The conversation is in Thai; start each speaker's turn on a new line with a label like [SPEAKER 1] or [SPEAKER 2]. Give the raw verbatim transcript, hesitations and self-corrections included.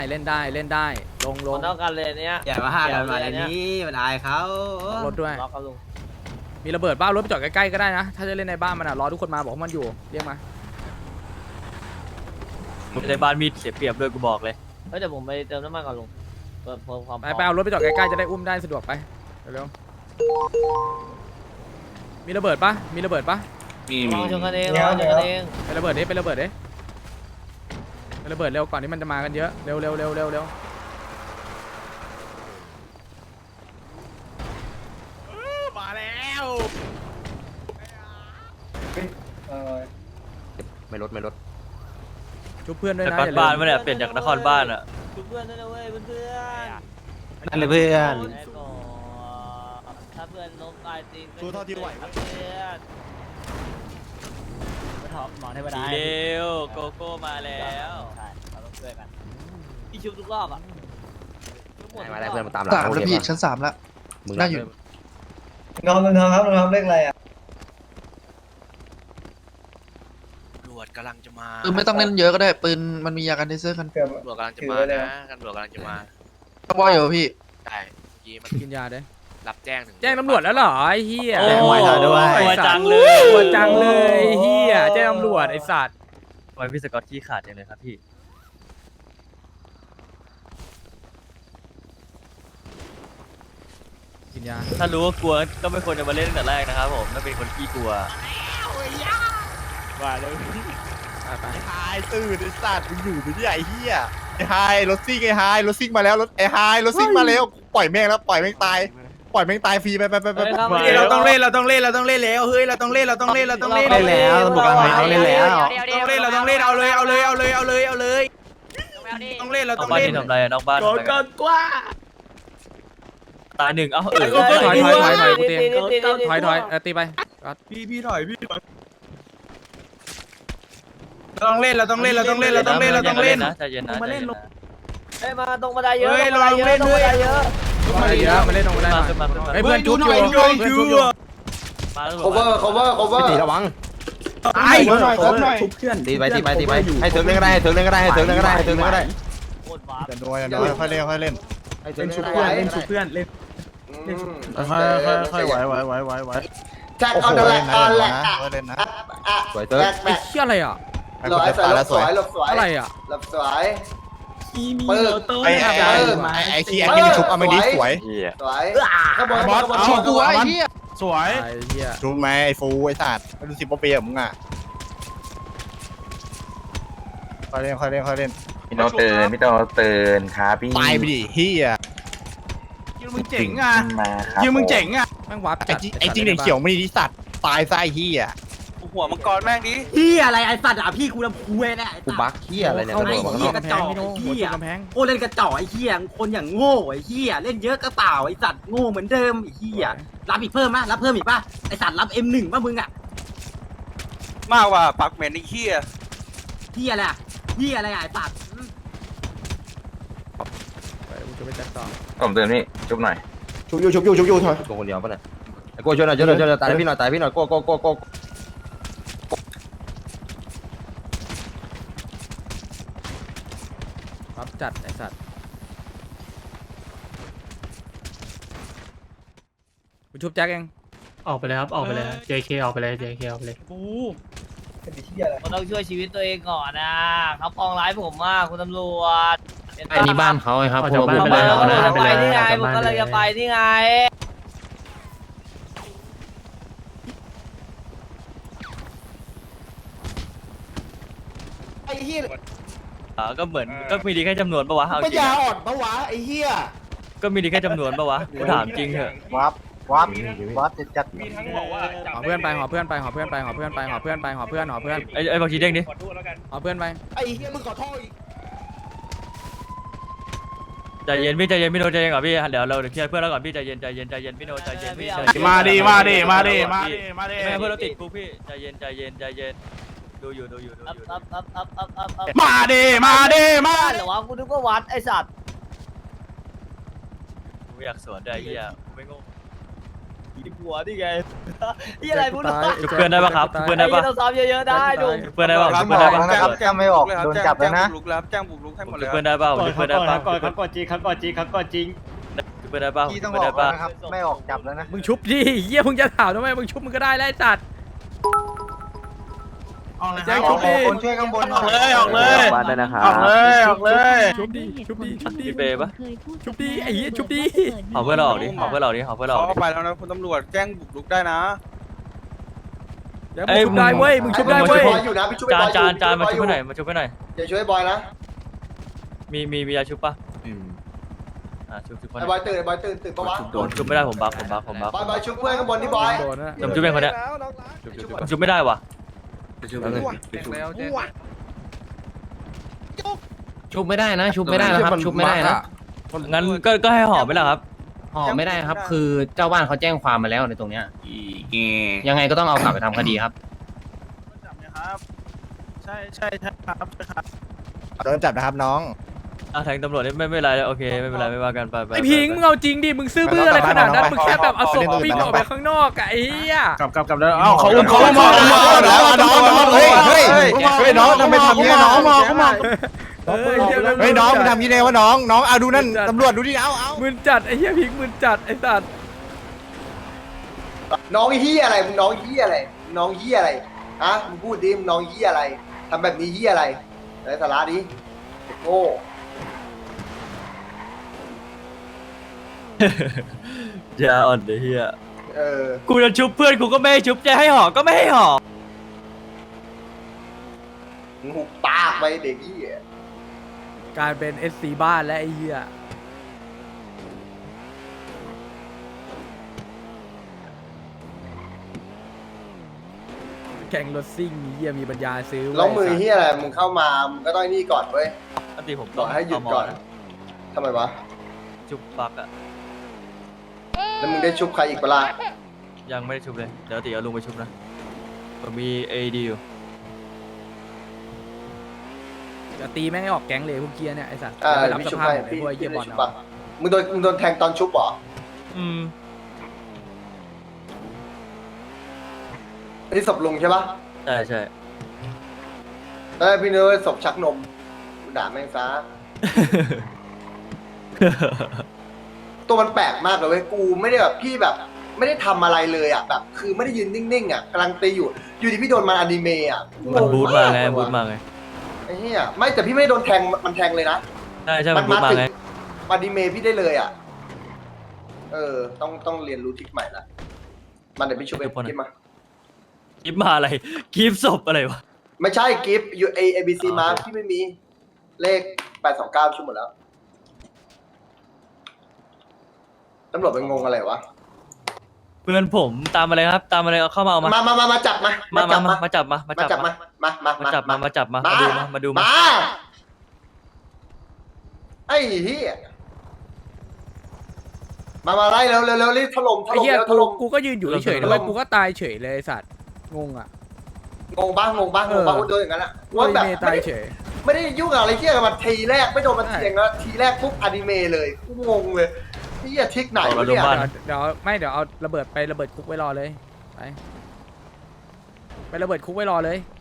[SPEAKER 1] เล่นได้เล่นได้ลงล
[SPEAKER 2] ค
[SPEAKER 1] ง
[SPEAKER 2] นเท่ากันเลยเนี้ย
[SPEAKER 3] อย่ามาห้ากันมาอันนี้มันอายเขา
[SPEAKER 1] รถด้วย
[SPEAKER 2] ล็อกกันลุง
[SPEAKER 1] มีระเบิดบ้ารถไปจอดใกล้ๆก็ได้นะถ้าจะเล่นในบ้านมันอ่ะรอทุกคนมาบอกว่ามันอยู่เรียกมา
[SPEAKER 4] ในบ้านมีเสียเปรียบด้วยกูบอกเลย
[SPEAKER 2] เฮ้ยเดี๋ยวผมไปเติมน้ำมันก่อนลุงเพิ่มเพิ่มความ
[SPEAKER 1] ไปไปเอารถไปจอดใกล้ๆจะได้อุ้มได้สะดวกไปเร็วๆมีระเบิดปะมีระเบิดปะ
[SPEAKER 2] ลองชนกันเองลองชนกันเอง
[SPEAKER 1] ไประเบิดดิไประเบิดดิไประเบิดเร็วก่อนที่มันจะมากันเยอะเร็วเร็วเร็วเร็วเร็ว
[SPEAKER 5] มาแล้ว
[SPEAKER 3] ไม่ลดไม่ลด
[SPEAKER 1] ชุบเพื่อนด้วย
[SPEAKER 4] น
[SPEAKER 1] นะ
[SPEAKER 4] คร
[SPEAKER 1] อย่าลื
[SPEAKER 4] บ้าน
[SPEAKER 1] ม
[SPEAKER 4] มาเนี่ยเปลี่ยนจากนครบ้านอ่ะ
[SPEAKER 2] เพื่อนด้วยนะเว้ยเพื่อน
[SPEAKER 3] นั่นเลยเพื่อน
[SPEAKER 2] ถ้าเพื่อนล้มตายจริง
[SPEAKER 5] สู้เท่าที่ไหว
[SPEAKER 2] เพื่อน
[SPEAKER 6] หมอเทวดา
[SPEAKER 4] เร็วโกโก้มาแล้ว
[SPEAKER 6] ใช่เราต้องช่วยกัน
[SPEAKER 2] พี่ชุบทุกรอบอ่ะ
[SPEAKER 3] มาได้เพื่อนมาตามหลัง
[SPEAKER 7] สามแล้วพี่ชั้นสามแล้ว
[SPEAKER 3] มึง
[SPEAKER 7] น่าอยู่
[SPEAKER 8] น้องน้องครับน้องเลขอะไรอ่ะ
[SPEAKER 5] ตำรวจกำลังจะมา
[SPEAKER 7] ปืนไม่ต้องเล่นเยอะก็ได้ปืนมันมียากันเทเซอร์กัน
[SPEAKER 8] เกือบ
[SPEAKER 5] ตำรวจกำลังจะมานะตำรวจกำลังจะมา
[SPEAKER 7] ว่าอยู่พี่
[SPEAKER 5] ใช่เมื่อกี้มัน
[SPEAKER 1] กินยาเด้
[SPEAKER 5] รับแจ้งถึง
[SPEAKER 1] แจ้งตำรวจแล้วเหรอไอ้เหี้ย
[SPEAKER 4] โอ้ยกลัวจังเลย
[SPEAKER 1] กลัวจังเลยไอ้เหี้ยแจ้งตำรวจไอ้สัตว์
[SPEAKER 4] ทำไมพี่สกอตขี้ขาดจังเลยครับพี่
[SPEAKER 1] กินยา
[SPEAKER 4] ถ้ารู้ว่ากลัวก็ไม่ควรจะมาเล่นตั้งแต่แรกนะครับผมถ้าเป็นคนขี้กลัว
[SPEAKER 5] ว่าเลย
[SPEAKER 1] ไปไป
[SPEAKER 5] ไอ้ไฮตื่นไอ้สัตว์มึงอยู่ไหมเนี่ยไอ้เหี้ยไอ้ไฮรถซิ่งไอ้ไฮรถซิ่งมาแล้วรถไอ้ไฮรถซิ่งมาแล้วปล่อยแม่งแล้วปล่อยแม่งตายปล่อยแม่งตายฟรีไปไปไปไปไป
[SPEAKER 2] เราต้องเล่น
[SPEAKER 6] เราต้องเล่นเราต้องเล่นแล้วเฮ้ยเราต้องเล่นเราต้องเล่นเราต้องเล่น
[SPEAKER 3] เล่นแล้วตำรวจกำลังมาเล่นแล้ว
[SPEAKER 6] ต้องเล่นเราต้องเล่นเอาเลยเอาเลยเอาเลยเอาเลยเอาเลยต้องเล่นเรา
[SPEAKER 4] นอ
[SPEAKER 6] ต้อก ง
[SPEAKER 4] บ้าน
[SPEAKER 6] เล่น
[SPEAKER 4] ที่ทำอะไรอะนอกบ้านทำอะไรกัน
[SPEAKER 6] กว่า
[SPEAKER 4] ตายหนึ่งเอ้าเออ
[SPEAKER 1] ถอยถอยถอยถอยกูเตียงถอยถอยเออตีไป
[SPEAKER 6] พี่พี่ถอยพี่ถอยเราต้องเล่นเราต้องเล่นเราต้องเล่นเราต้องเล่นเราต้องเล่น
[SPEAKER 4] นะใจเย็นนะใจเย็นนะ
[SPEAKER 2] เฮ้ยมาตรงบันไดเยอะ
[SPEAKER 6] เฮ้ย
[SPEAKER 2] ตรงบันไดเย
[SPEAKER 6] เราเล่
[SPEAKER 2] อะ
[SPEAKER 6] น
[SPEAKER 2] ตรง
[SPEAKER 6] ด้
[SPEAKER 2] บั
[SPEAKER 6] วย
[SPEAKER 2] นไดเยอะ
[SPEAKER 1] มาเยอะมาเล่นตรงได้
[SPEAKER 4] มา
[SPEAKER 1] มา
[SPEAKER 4] ขึ้นมาขึ้นมา
[SPEAKER 1] ไอ้เพื่อนจุ๊บอยู่
[SPEAKER 6] ดู
[SPEAKER 1] เพื่อนจุ๊บอยู่
[SPEAKER 4] มาแล้ว
[SPEAKER 3] cover cover cover ตีระวัง
[SPEAKER 6] ไอ้หน่อยหน่อย
[SPEAKER 3] ตีไปตีไปตีไปให้เถิงเล่นก็ได้ให้เถิงเล่นก็ได้ให้เถิงเล่นก็ได้ให้เถิงเล่นก็ได้
[SPEAKER 2] โคตรว้า
[SPEAKER 5] อย่าโดนอย่าโดนค่อยเล่นค่อยเล่น
[SPEAKER 3] ให้เถิงเล่นก็ได้เล่นชุบเพื่อน
[SPEAKER 5] ค่อยค่อยค่อยไหวไหวไหวไหวไหว
[SPEAKER 8] แจ็ค
[SPEAKER 5] โอ้
[SPEAKER 8] อ
[SPEAKER 5] โห
[SPEAKER 8] อนเดอะแล
[SPEAKER 5] เล่
[SPEAKER 8] ก
[SPEAKER 5] น
[SPEAKER 8] อ
[SPEAKER 5] นะ
[SPEAKER 8] อนแล
[SPEAKER 5] เล่
[SPEAKER 8] ก
[SPEAKER 5] นนะเล่นนะ
[SPEAKER 3] สวยเถิง
[SPEAKER 1] ไอ้เหี้ยอะไรอ่ะ
[SPEAKER 5] ไอ้คนจะตายแล้วสวย
[SPEAKER 8] หลบสวย
[SPEAKER 1] อะไรอ่ะ
[SPEAKER 8] หลบสวย
[SPEAKER 6] มีมี
[SPEAKER 8] ปืน
[SPEAKER 6] โต้
[SPEAKER 5] ไอ้ไอ้ไอ้ไอ้คีแอคที่ชุบเอาไม่ดีสวย
[SPEAKER 8] สวยข้างบน
[SPEAKER 5] บอส
[SPEAKER 8] ข้างบน
[SPEAKER 5] เอา
[SPEAKER 8] ข้างบน
[SPEAKER 7] กูไอ้เหี้ย
[SPEAKER 5] สวย
[SPEAKER 1] ไอ้เหี้ย
[SPEAKER 5] ชุบไหมไอ้ฟูไอ้สัตว์ไม่รู้สิบปีกับมึงอ่ะค่อยเล่นค่อยเล่นค่อยเล่น
[SPEAKER 9] พี่โนตื่นพี่โนตื่นครับพี่
[SPEAKER 5] ตายไปดิเฮีย
[SPEAKER 6] ยิงมึงเจ๋งอ่ะ
[SPEAKER 9] มาครับ
[SPEAKER 6] ยิงมึงเจ๋งอ่ะ
[SPEAKER 1] แม่งวับ
[SPEAKER 5] ไอ้จิไอ้จริงเด็กเขียวไม่ดีสัตว์ตายไส้เฮีย
[SPEAKER 6] หัวมังกรแม่งดิ
[SPEAKER 10] พี่อะไรไอ้สัตว์อ่ะพี่กูลำพูเว้ยเนี่ยไอ้
[SPEAKER 3] กู
[SPEAKER 10] สัตว์
[SPEAKER 3] บักเหี้ยอะไรเนี่ย
[SPEAKER 1] เข้า
[SPEAKER 3] ตำรวจ
[SPEAKER 1] หัว
[SPEAKER 3] บอก
[SPEAKER 1] กำแพงพี่โน้หัวกำแพง
[SPEAKER 10] โอ้เล่นกระจอกไอ้เหี้ยคนอย่างโง่ไอ้เหี้ยเล่นเยอะก็เปล่าไอ้สัตว์โง่เหมือนเดิมไอ้เหี้ยรับอีกเพิ่มมะรับเพิ่มอีกป่ะไอ้สัตว์รับ เอ็ม หนึ่ง ป่ะมึงอ่ะ
[SPEAKER 6] มากกว่าปักเหม็นไอ้เหี้ย
[SPEAKER 10] เหี้ยอะไรอ่ะเหี้ยอะไรอ่ะไอ้สัตว์
[SPEAKER 1] ไปกูจะไปจัดต่อ
[SPEAKER 9] ผมตื่นพี่จุ๊บหน่อย
[SPEAKER 3] ชุบอยู่ชุบอยู่ชุบอยู่ถอยกูคนเดียวปะเนี่ยไอ้กูช่วยหน่อยช่วยหน่อยช่วยหน่อยตายพี่หน่อยตายพี่หน่อยโก้โก้โก้โก้
[SPEAKER 1] วับจัดไอ้สัตว์กูชุบแจ็คเอง
[SPEAKER 6] ออกไปเลยครับออกไปเลย เจ เค ออกไปเลย เจ เค ออกไปเลย
[SPEAKER 8] เป็นที่อะไร
[SPEAKER 2] เราต้องช่วยชีวิตตัวเองก่อนนะเขาปองร้ายผมมากคุณตำรวจ
[SPEAKER 4] ไอ้นี่บ้านเขาไงครับ
[SPEAKER 6] ออกจากบ้านไป
[SPEAKER 2] ไป
[SPEAKER 6] เลย
[SPEAKER 2] แล้ว
[SPEAKER 6] เอา
[SPEAKER 2] ผม
[SPEAKER 6] เลย
[SPEAKER 2] จะไปนี่ไง
[SPEAKER 6] เอา
[SPEAKER 2] ผม
[SPEAKER 6] บ้าน
[SPEAKER 2] ก็
[SPEAKER 6] ไป
[SPEAKER 2] เลย
[SPEAKER 6] เลย
[SPEAKER 2] จะไปนี่ไง
[SPEAKER 8] ไอ้เหี้ย
[SPEAKER 4] อ่าก็เหมือนก็มีดีแค่จำนวนปะวะเอาจ
[SPEAKER 8] ปัญ
[SPEAKER 4] ริง
[SPEAKER 8] ญา
[SPEAKER 4] อะ
[SPEAKER 8] อ่อนปะวะไอ้เหี้ย
[SPEAKER 4] ก็มีดีแค่จำนวนปะวะกูถามจริงเถอะ
[SPEAKER 5] วับวับวับจะจัด
[SPEAKER 1] หอเพื่อนไปหอเพื่อนไปหอเพื่อนไปหอเพื่อนไปหอเพื่อนไปหอเพื่อนหอเพื่อน
[SPEAKER 4] ไอ้ไอ้บางทีเด้งดิ
[SPEAKER 1] หอเพื่อนไป
[SPEAKER 8] ไอ้เหี้ยมึงขอโทษอีก
[SPEAKER 4] ใจเย็นพี่ใจเย็นพี่โนใจเย็นก่อนพี่เดี๋ยวเราเดี๋ยวเคลียร์เพื่อนแล้วก่อนพี่ใจเย็นใจเย็นใจเย็นพี่โนใจเย็นพี่ใจเย็น
[SPEAKER 5] มาดิมาดิมาดิมาดิมาดิ
[SPEAKER 4] ไม่ให้เพื่อนเราติดคุกพี่ใจเย็นใจเย็นใจเย็นดูอยู่ดูอยู่ดู
[SPEAKER 2] อัพ
[SPEAKER 4] อยู่
[SPEAKER 2] อัพอัพอัพอัพอัพอัพ
[SPEAKER 5] มาดิมาดิมา
[SPEAKER 2] บ้านเหรอวะกูนึกว่าวัดไอสัตว์
[SPEAKER 4] กูอยากสวนได้เฮียกูไม่งง
[SPEAKER 2] หัวนี่ไงนี่อะไรพูด
[SPEAKER 1] ตาย
[SPEAKER 4] ชุบเพื่อนได้ปะครับชุบเพื่อนได้
[SPEAKER 2] ไอ้
[SPEAKER 4] ปะ
[SPEAKER 2] ยี่ต้องซ้อมเยอะๆได้ดู
[SPEAKER 4] ชุบเพื่อนได้ปะชุบเพื่อนได้ปะ
[SPEAKER 5] นะครับแจ้งไม่ออกโดนจับแล้วนะ
[SPEAKER 6] ลุกแล้วแจ้งบุกลุกให้หมดเลย
[SPEAKER 4] ชุบเพื่อนได้ปะชุบเพื่อนได้ปะ
[SPEAKER 10] ก่อนครับก่อนจริงครับก่อนจริงครับก่อนจริง
[SPEAKER 4] ชุบเพื่อนได้ปะ
[SPEAKER 5] พี่
[SPEAKER 4] ชุ
[SPEAKER 5] ต้อบ ง
[SPEAKER 4] เพื่
[SPEAKER 5] อ
[SPEAKER 4] อน
[SPEAKER 5] อ
[SPEAKER 4] ได้
[SPEAKER 5] ก
[SPEAKER 4] ปะ
[SPEAKER 5] นะครับไม่ออกจับแล้วนะ
[SPEAKER 1] มึงชุบดิเฮียมึงจะถามทำไมมึงชุบมึงก็ได้แล้วไอ้สัตว์แจ็คชุบดิ
[SPEAKER 5] คนช่วยข้างบน
[SPEAKER 6] ออกเลยออกเลย
[SPEAKER 3] บ้านได้นะครับ
[SPEAKER 6] ออกเลยออกเลย
[SPEAKER 1] ชุบดิชุบดิชุบดิ
[SPEAKER 4] พี่เปย์ปะ
[SPEAKER 1] ชุบดิไอ้เหี้ยชุบดิ
[SPEAKER 4] เอาเพื่อนเราออกดิเอาเพื่อนเราออกดิเอาเพื่อนเราอ
[SPEAKER 6] เขา
[SPEAKER 4] อกดิ
[SPEAKER 6] ไปแล้วนะคุณตำรวจแจ้งบุกลุกได้นะ
[SPEAKER 1] เดี๋ยวมึงชุบได้เว้ยมึงชุบได้
[SPEAKER 8] ช่ว
[SPEAKER 1] เว้
[SPEAKER 8] ย
[SPEAKER 1] ย
[SPEAKER 8] บอยอยู่นะพี่ช่วย
[SPEAKER 4] จาน
[SPEAKER 8] บอย
[SPEAKER 4] จานจานมา
[SPEAKER 8] ช่วย
[SPEAKER 4] ชุ
[SPEAKER 8] บบ อย
[SPEAKER 4] ให้หน่อย
[SPEAKER 8] อยู่
[SPEAKER 4] มาชุบให้หน่อย
[SPEAKER 8] อย่าช่วยบอยนะ
[SPEAKER 4] มีมีมียาชุบปะอ่าชุบชุบเพื่อน
[SPEAKER 8] ไอ้บอยตื่นไอ้บอยตื่นตื่นปะวะ
[SPEAKER 4] ผมชุบไม่ได้ผมบัฟผมบัฟผมบัฟ
[SPEAKER 8] บอยบอยชุบเพื่อนข้างบนที่บอย
[SPEAKER 1] โดนนะ
[SPEAKER 4] ผมชุบเป็นคนเนี้ยผมชุบไม่ได้ว่ะ
[SPEAKER 11] ชุบไม่ได้นะ ชุบไม่ได้นะครับ ชุบไม่ได้นะ
[SPEAKER 4] งั้นก็ก็ให้ห่อไปแล้วครับ
[SPEAKER 11] ห่อไม่ได้ครับ คือเจ้าบ้านเขาแจ้งความมาแล้วในตรงเนี้ยยังไงก็ต้องเอากลับไปทำคดีครับ
[SPEAKER 6] จับไหมครับ ใช่ใช่ใช่ครับใช่ครับ
[SPEAKER 5] โดนจับนะครับน้อง
[SPEAKER 4] อ่ะแทงตำรวจนี่ไม่ไม่เป็นไรโอเคไม่เป็นไรไม่ว่ากันไปไป
[SPEAKER 1] ไอ้พิงมึงเอาจริงดิมึงซื่อบื้ออะไรขนาดนั้นมึงแค่แบบเอาศพวิ่งออกไปข้างนอกอะไอ้เหี้ย
[SPEAKER 6] กลับกลับกลับแล้วเอ้าเขาอุ้มเขา
[SPEAKER 5] เขา
[SPEAKER 6] อุ้ม
[SPEAKER 5] มา
[SPEAKER 6] เขา
[SPEAKER 5] เขามาแล้วน้องน้องเฮ้ยเฮ้ยเฮ้ยน้องทำไมทำอย่างนี้น้อง
[SPEAKER 1] เออไอ้เหี้ย
[SPEAKER 5] เฮ้ยน้องมึงทำอยังไงวะน้องน้องเอาดูนั่นตำรวจดูดิเอาเอา
[SPEAKER 1] มึนจัดไอ้เหี้ยพิงมึนจัดไอ้สัตว์
[SPEAKER 8] น้องเฮียอะไรมึงน้องเฮียอะไรน้องเฮียอะไรฮะมึงพูดดิมึงน้องเฮียอะไรทำแบบนี้เฮียอะไรไร้สาระดิเด็กโง่
[SPEAKER 4] ยาอ่อนเดี๋ยวเฮีย
[SPEAKER 8] เออ
[SPEAKER 4] กูจะชุบเพื่อนกูก็ไม่ให้ชุบจะให้ห่อก็ไม่ให้ห่อ
[SPEAKER 8] มึงหุบปากไปเด็กเฮีย
[SPEAKER 1] กลายเป็นเอสซีบ้านและไอ้เหี้ยแข่งรถซิ่งเหี้ยมีปัญญาซื้อเว้ย
[SPEAKER 8] แล้วมือเฮียอะไรมึงเข้ามามึงก็ต้องนี่ก่อนเว้ย
[SPEAKER 4] ปกติผม
[SPEAKER 8] บ
[SPEAKER 4] ต้
[SPEAKER 8] อ
[SPEAKER 4] อก ง
[SPEAKER 8] ให้หยุด
[SPEAKER 4] เาหม
[SPEAKER 8] ก่อน
[SPEAKER 4] นะ
[SPEAKER 8] ทำไมวะ
[SPEAKER 4] ชุบปักอะ
[SPEAKER 8] แล้วมึงได้ชุบใครอีกเปะล่า
[SPEAKER 4] ยังไม่ได้ชุบเลยเดี๋ยวตีเอาลุงไปชุบนะผมมีเอดีอยู่
[SPEAKER 1] จะตีแม่งให้ออกแก๊งเลยพวกเกียร์เนี่ยไอ้สัตว์
[SPEAKER 8] อ่า
[SPEAKER 1] ไปรับ
[SPEAKER 8] พี่
[SPEAKER 1] ส
[SPEAKER 8] ชุบ
[SPEAKER 1] ภาพ
[SPEAKER 8] ให้
[SPEAKER 1] ไอ้
[SPEAKER 8] พี่
[SPEAKER 1] พวกไอ้
[SPEAKER 8] พี่
[SPEAKER 1] เกียร์บ
[SPEAKER 8] ได้
[SPEAKER 1] อล
[SPEAKER 8] ชุบ
[SPEAKER 1] เอา
[SPEAKER 8] ปะมึงโดนมึงโดนแทงตอนชุบเหรอ
[SPEAKER 4] อืม
[SPEAKER 8] อันนี้ศพลุงใช่ปะ
[SPEAKER 4] ใช่ใช่
[SPEAKER 8] เอ้ยพี่เนื้อศพชักนมกูด่าแม่งซะ ตัวมันแปลกมากเลยเว้ยกูไม่ได้แบบพี่แบบ ไม่ได้ทำอะไรเลยอ่ะแบบ คือไม่ได้ยืนนิ่งๆอ่ะกำลังตีอยู่ อยู่ดีพี่โดนมันอนิเมะอ่ะ
[SPEAKER 4] มันบูทมาไง
[SPEAKER 8] เลย
[SPEAKER 4] บู
[SPEAKER 8] ว่ะ
[SPEAKER 4] ทมาไง
[SPEAKER 8] ไอ้เหี้ยไม่แต่พี่ไม่ได้โดนแทงมันแทงเลยนะ
[SPEAKER 4] ใช่ใช่มันบูทมาไง
[SPEAKER 8] อนิเมะพี่ได้เลยอ่ะ เออ ต้องต้องเรียนรู้ทริคใหม่ละมันเดี๋ยวพี่ช่วยไปคิดมา
[SPEAKER 4] กิฟมาอะไรกิฟศพอะไรวะ
[SPEAKER 8] ไม่ใช่กิฟต์ยูเอเอบีซี
[SPEAKER 4] อ๋อ
[SPEAKER 8] มา
[SPEAKER 4] โอเค
[SPEAKER 8] พี่ไม่มีเลขแปดสองเก้าชั่วหมดแล้วตำรวจเป็นงงอะไรวะ
[SPEAKER 4] เพื่อนผมตามมาเลยครับ ตามมาเลยเอาเข้ามาเอามา
[SPEAKER 8] มามามามาจับมา
[SPEAKER 4] มา
[SPEAKER 8] จั
[SPEAKER 4] มา
[SPEAKER 8] บ
[SPEAKER 4] มา
[SPEAKER 8] มา
[SPEAKER 4] มาจับมามา
[SPEAKER 8] มา
[SPEAKER 4] จับ
[SPEAKER 8] จับ
[SPEAKER 4] มา
[SPEAKER 8] มามา มา
[SPEAKER 4] มาจับมามาจับมา
[SPEAKER 8] มา
[SPEAKER 4] มาดูมามาดูมา
[SPEAKER 8] มาไอ้เหี้ยมามาไล่เร็วเร็วเร็วรีบถล่มถ
[SPEAKER 1] ไอ้
[SPEAKER 8] ล่ม
[SPEAKER 1] เหี้ย
[SPEAKER 8] เร็วถ
[SPEAKER 1] กู
[SPEAKER 8] ล่ม
[SPEAKER 1] กูก็ยืนอยู่เฉยๆนะเว้ยกูก็ตายเฉยเลยไอ้สัตว์งงอ่ะ
[SPEAKER 8] งงบ้างงงบ้างงงบ้าง
[SPEAKER 1] เออ
[SPEAKER 8] โดนอย่างนั้นอ่ะ
[SPEAKER 1] ว่า
[SPEAKER 8] ว่าแบบ
[SPEAKER 1] เมย์
[SPEAKER 8] ไม่
[SPEAKER 1] ตาย
[SPEAKER 8] ได้
[SPEAKER 1] เฉย
[SPEAKER 8] ไม่ได้ยุ่งกับอะไรเที่ยกับมันทีแรกไม่โดนมัน
[SPEAKER 1] ใช่
[SPEAKER 8] เทียงแล้วทีแรกปุ๊บอนิเมะเลยกูงงเลยนี่อย่าทิกไหน
[SPEAKER 4] เอาเรา
[SPEAKER 8] วะเนี่ย
[SPEAKER 4] ดูบ้าน
[SPEAKER 1] เดี๋ยวไม่เดี๋ยวเอาระเบิดไประเบิดคุกไว้รอเลยไปไประเบิดคุกไว้รอเลย